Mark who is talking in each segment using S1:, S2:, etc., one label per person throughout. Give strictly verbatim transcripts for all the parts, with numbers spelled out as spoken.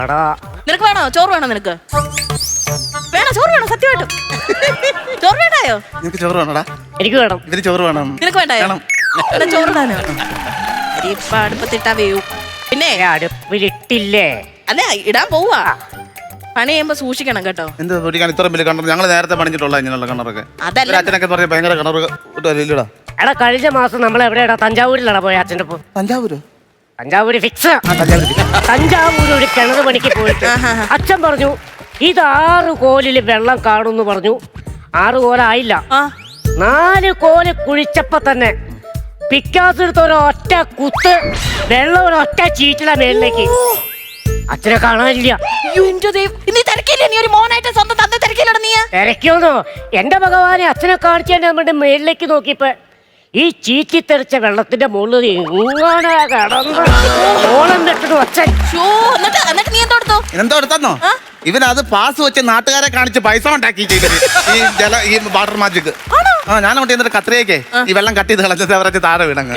S1: നിനക്ക് വേണോ ചോറ് വേണോ നിനക്ക് വേണോ ചോറ് വേണോ സത്യമായിട്ടും ചോറ് വേണ്ടായോ
S2: നിനക്ക് ചോറ് വേണോടാ
S3: എനിക്ക് വേണം
S2: ഇതിന് ചോറ് വേണം
S1: നിനക്ക് വേണ്ടായോ എന്നാ ചോറ് താനോ ഇപ്പൊ അടുപ്പത്തിട്ടാ വേവും പിന്നെ
S3: അടുപ്പിലിട്ടില്ലേ
S1: അല്ല ഇടാൻ പോവാ പണി ചെയ്യുമ്പോ സൂക്ഷിക്കണം കേട്ടോ.
S2: എന്ത് പൊടിക്കാൻ ഇത്ര വലിയ കിണർ ഞങ്ങൾ നേരത്തെ പണിഞ്ഞിട്ടുള്ള ഇങ്ങനെയുള്ള കിണറൊക്കെ
S1: അതല്ല
S2: അച്ഛനൊക്കെ പറഞ്ഞ ഭയങ്കര കിണർ ഇല്ലടാ.
S3: എടാ കഴിഞ്ഞ മാസം നമ്മൾ എവിടെയാടാ തഞ്ചാവൂരിലാടാ പോയ അച്ഛൻ്റെ ഒപ്പം.
S2: തഞ്ചാവൂര്
S3: തഞ്ചാവൂര് ഫിക്സ്. തഞ്ചാവൂര് ഒരു കിണർ പണിക്ക് പോയിട്ട് അച്ഛൻ പറഞ്ഞു ഇത് ആറ് കോലില് വെള്ളം കാണുന്നു പറഞ്ഞു. ആറ് കോലായില്ല, നാല് കോല് കുഴിച്ചപ്പോ തന്നെ പിക്കാസ് എടുത്ത ഒരൊറ്റ കുത്ത് വെള്ളം ഒരൊറ്റ ചീറ്റില മേളിലേക്ക്. അച്ഛനെ കാണാനില്ല. തിരക്കിയോന്നോ എന്റെ ഭഗവാനെ അച്ഛനെ കാണിച്ചു നമ്മുടെ മേളിലേക്ക് നോക്കിയപ്പോ ഈ ചീറ്റി തെറിച്ച വെള്ളത്തിന്റെ മുകളിൽ ഇങ്ങനെ കിടന്ന് ഓളം കെട്ടിട്ട് അച്ഛൻ.
S2: എന്തോ എടുത്തോ ഇവൻ അത് പാസ് വെച്ച് നാട്ടുകാരെ കാണിച്ച് പൈസ ഉണ്ടാക്കി ചെയ്തത് ഈ ജല ഈ വാട്ടർ മാജിക്. ആ ഞാൻ കൊണ്ട് എന്നിട്ട് കത്രിയൊക്കെ ഈ വെള്ളം കട്ട് ചെയ്ത് കളഞ്ഞത് അവരെ താഴെ വീണങ്ങ്.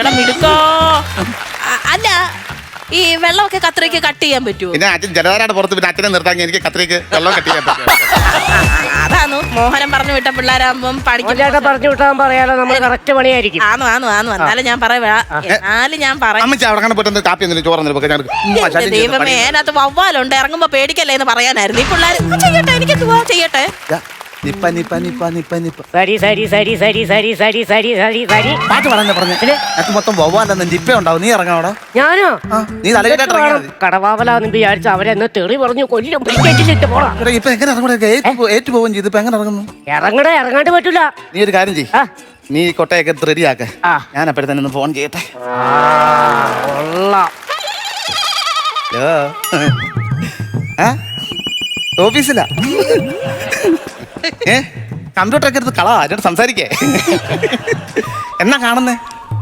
S1: അല്ല ഈ വെള്ളമൊക്കെ കത്രിക്ക് കട്ട് ചെയ്യാൻ പറ്റുമോ?
S2: പിന്നെ അച്ഛൻ ജലധാരയുടെ പുറത്ത് പിന്നെ അച്ഛനെ നിർത്താൻ എനിക്ക് കത്രിക്ക് വെള്ളം കട്ട് ചെയ്യാൻ പറ്റും.
S1: അതാന്നു മോഹനം പറഞ്ഞു വിട്ട പിള്ളേരാകുമ്പം
S3: പഠിക്കും പറഞ്ഞു വിട്ടാൻ പറയാലോ നമ്മൾ കറക്റ്റ് പണിയായിരിക്കും.
S1: ആന്നു ആന്നു ആന്നു എന്നാലും ഞാൻ പറയാ എന്നാലും ഞാൻ പറയാം
S2: അമ്മച്ചി അവിടെ പോയിട്ട് കാപ്പി ഒന്നും ചോറ്
S1: ദൈവമേ അതിനകത്ത് വവ്വാലുണ്ട് ഇറങ്ങുമ്പോ പേടിക്കല്ലേ എന്ന് പറയാനായിരുന്നു. ഈ പിള്ളേർ ചെയ്യട്ടെ എനിക്ക് ചെയ്യട്ടെ
S2: നിപ്പ നിപ്പ നിപ്പ നിപ്പ നിപ്പ
S3: സരി സരി സരി സരി സരി സരി സരി സരി സരി
S2: പാട്ട് പറഞ്ഞ പറഞ്ഞു അത് മൊത്തം വവ്വാലെന്ന് നിപ്പ ഉണ്ടാവും. നീ ഇറങ്ങാവടാ.
S3: ഞാനോ
S2: നീ തലകെട്ടാ
S3: കടവാവലാന്ന് വിചാരിച്ച അവരെന്നെ തെറി പറഞ്ഞു കൊല്ലും. ടിക്കറ്റിലിട്ട് പോടാ.
S2: ഇപ്പൊ എങ്ങനെ ഇറങ്ങൂടെ ഏറ്റു പോവുകയും ചെയ്തു. ഇപ്പൊ എങ്ങനെ ഇറങ്ങുന്നു?
S3: ഇറങ്ങടേ ഇറങ്ങാണ്ട് പറ്റൂല.
S2: നീ ഒരു കാര്യം ചെയ്യ്, നീ കൊട്ടയൊക്കെ റെഡിയാക്ക. ഞാൻ അപ്പോഴത്തെ തന്നെ ഒന്ന് ഫോൺ ചെയ്യട്ടെ. ഓഫീസിലാ ഏ കമ്പ്യൂട്ടറൊക്കെ എടുത്ത് കളാ എന്നോട് സംസാരിക്കേ. എന്നാ കാണുന്നേ?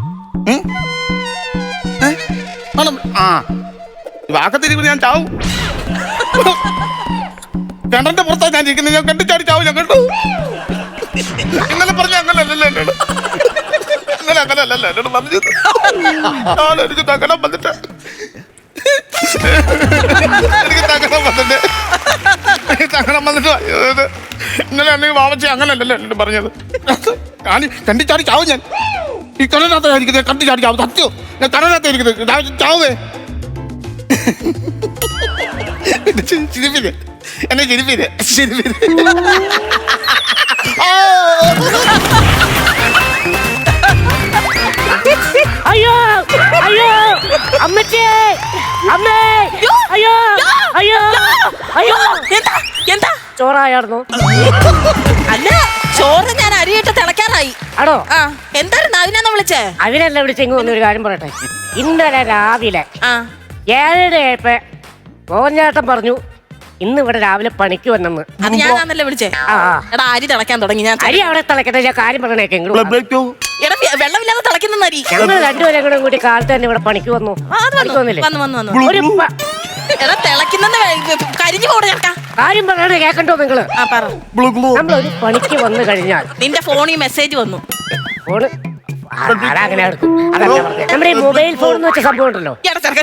S2: ആ വാക്കത്തിരിക്കുമ്പോൾ ഞാൻ ചാവും. കിണറിന്റെ പുറത്താ ഞാൻ ഇരിക്കുന്നത്. ഞാൻ കണ്ടു ചാടി ചാവും. ഞാൻ കണ്ടു ഇന്നലെ പറഞ്ഞ അങ്ങനല്ലല്ലോ എന്നോട്. ഇന്നലെ അങ്ങനല്ലല്ലോ എന്നോട് പറഞ്ഞു. എനിക്ക് തകണം വന്നിട്ട് എനിക്ക് തകണം വന്നിട്ട് തകണം വന്നിട്ട് ഇന്നലെ അല്ലെങ്കിൽ വാവച്ചി അങ്ങനല്ലല്ലോ എന്നോട് പറഞ്ഞത്. ഞാൻ കണ്ടി ചാടി ചാവും. ഞാൻ ഈ കടനകത്ത് ഇരിക്കുന്നത് കണ്ടി ചാടി ചാവും. സത്യോ ഞാൻ കടനകത്ത് ഇരിക്കുന്നത് ചാവേ. ചിരിപ്പില്ലേ എന്നെ ചിരിപ്പില്ലേ ചിരിപ്പില്ലേ.
S3: അയ്യോ അയ്യോ അമ്മച്ചേ അമ്മേ അയ്യോ അയ്യോ അയ്യോ
S1: എന്താ എന്താ
S3: ചോറായിരുന്നു?
S1: അല്ല ചോറ് ഞാൻ അരിയിട്ട് തിളക്കാറായി.
S3: ആണോ?
S1: ആ എന്തായിരുന്നു അതിനാ വിളിച്ചേ?
S3: അതിനല്ല വിളിച്ചെങ്കിൽ ഒന്നൊരു കാര്യം പറയട്ടെ. ഇന്നലെ രാവിലെ ഏഴര ആയപ്പോ മോഹൻചേട്ടൻ പറഞ്ഞു ഇന്ന് ഇവിടെ രാവിലെ പണിക്ക് വന്നെന്ന്.
S1: അത് ഞാനാണല്ലേ വിളിച്ചേ? എടാ അരി തിളക്കാൻ തുടങ്ങി. ഞാൻ
S3: അരി അവിടെ തിളക്കട്ടെ. ഞാൻ കാര്യം പറയണേക്കെ
S1: എടാ വെള്ളമില്ലാതെ തിളക്കുന്ന അരി.
S3: ഞങ്ങൾ രണ്ടുപേരും കൂടെ കൂടി കാലത്ത് തന്നെ ഇവിടെ പണിക്ക് വന്നു.
S1: എടാ തിളക്കുന്ന കരിഞ്ഞു പോടെ ചേട്ടാ.
S3: കാര്യം പറയണേ കേക്കണ്ടോ നിങ്ങള്? നമ്മളൊരു പണിക്ക് വന്നു കഴിഞ്ഞാൽ നിന്റെ
S1: ഫോണിൽ മെസ്സേജ് വന്നു.
S3: ഫോണ് അങ്ങനെ നമ്മുടെ ഈ മൊബൈൽ ഫോൺ എന്ന് വെച്ച സംഭവം ഉണ്ടല്ലോ.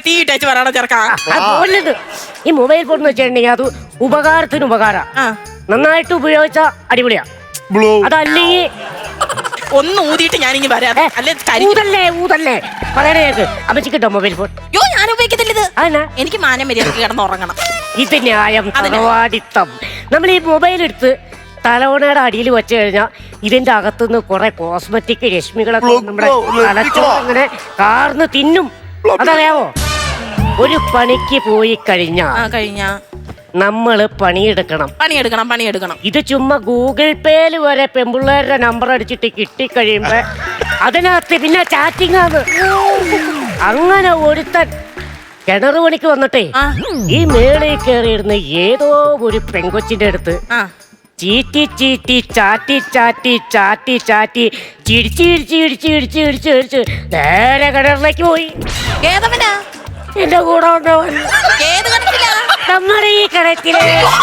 S3: ഈ മൊബൈൽ ഫോൺ എന്ന് വെച്ചിട്ടുണ്ടെങ്കിൽ അത് ഉപകാരത്തിന് ഉപകാരം. നന്നായിട്ട് ഉപയോഗിച്ച അടിപൊളിയാ. അതല്ലെങ്കിൽ
S1: ഒന്ന് ഊതിയിട്ട് ഞാനിങ്ങി വരാം.
S3: ഊതല്ലേ ഊതല്ലേ പറയണേ കേക്ക്. അമ്മച്ചി കിട്ടോ മൊബൈൽ ഫോൺ?
S1: യോ ഞാൻ ഉപയോഗിക്കത്തില്ല ഇത്.
S3: അതെന്നാ?
S1: എനിക്ക് മാനം മര്യാദക്ക് കിടന്ന് ഉറങ്ങണം.
S3: ഇത് ന്യായം തറവാടിത്തം. നമ്മൾ ഈ മൊബൈൽ എടുത്ത് തലവണയുടെ അടിയിൽ വെച്ച് കഴിഞ്ഞാൽ ഇതിന്റെ അകത്തുനിന്ന് കുറെ കോസ്മെറ്റിക് രശ്മികളൊക്കെ നമ്മുടെ തലച്ചോറ് അങ്ങനെ കാർന്ന് തിന്നും. അതറിയാവോ? ഒരു പണിക്ക് പോയി കഴിഞ്ഞാ
S1: കഴിഞ്ഞാ
S3: നമ്മള് പണിയെടുക്കണം
S1: പണിയെടുക്കണം പണിയെടുക്കണം
S3: ഇത് ചുമ്മാ ഗൂഗിൾ പേയില് വരെ പെമ്പിള്ളേരുടെ നമ്പർ അടിച്ചിട്ട് കിട്ടിക്കഴിയുമ്പോ അതിനകത്ത് പിന്നെ ചാറ്റിംഗ് ആണ്. അങ്ങനെ ഒരുത്തൻ കിണർ പണിക്ക് വന്നിട്ടേ ഈ മേളിൽ കയറിയിരുന്ന ഏതോ ഒരു പെങ്കൊച്ചിന്റെ അടുത്ത് ചീറ്റി ചീറ്റി ചാറ്റി ചാറ്റി ചാറ്റി ചാറ്റി ചിരിച്ച് ചിരിച്ച് ചിരിച്ച് ചിരിച്ച് ചിരിച്ച് ചിരിച്ച് നേരെ കിണറിലേക്ക് പോയി.
S1: ഏതവനാ?
S3: എന്റെ കൂടെ ഉണ്ടവൻ. നമ്മുടെ ഈ കിണറ്റില്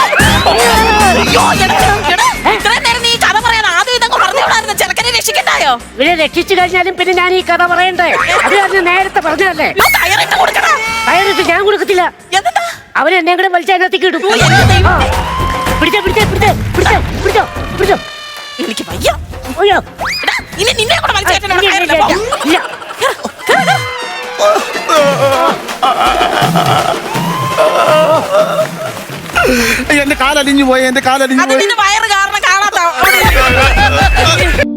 S3: ഇവരെ രക്ഷിച്ചു കഴിഞ്ഞാലും പിന്നെ ഞാൻ ഈ കഥ പറയണ്ടേ? അത് ഞാൻ നേരത്തെ പറഞ്ഞല്ലേ. കയറിട്ട് ഞാൻ കൊടുക്കത്തില്ല. അവൻ എന്നെ കൂടെ വലിച്ച അതിനകത്തേക്ക് ഇടും. ആ. പിടിച്ചോ പിടിച്ചോ പിടിച്ചോ പിടിച്ചോ പിടിച്ചോ പിടിച്ചോ.
S1: എനിക്ക് വയ്യ.
S3: അയ്യോ
S1: എടാ, ഇനി നിന്നെ കൂടെ വലിച്ചേറ്റാൻ അവിടെ
S3: ഇല്ല,
S1: കയറില്ല,
S3: ഇല്ല,
S1: പോ.
S3: ഇല്ല.
S2: എന്റെ കാലലിഞ്ഞു പോയി, എന്റെ കാലലിഞ്ഞു
S1: അത്
S2: പോയി.
S1: നിന്റെ വയറ് കാരണം കാണാത്ത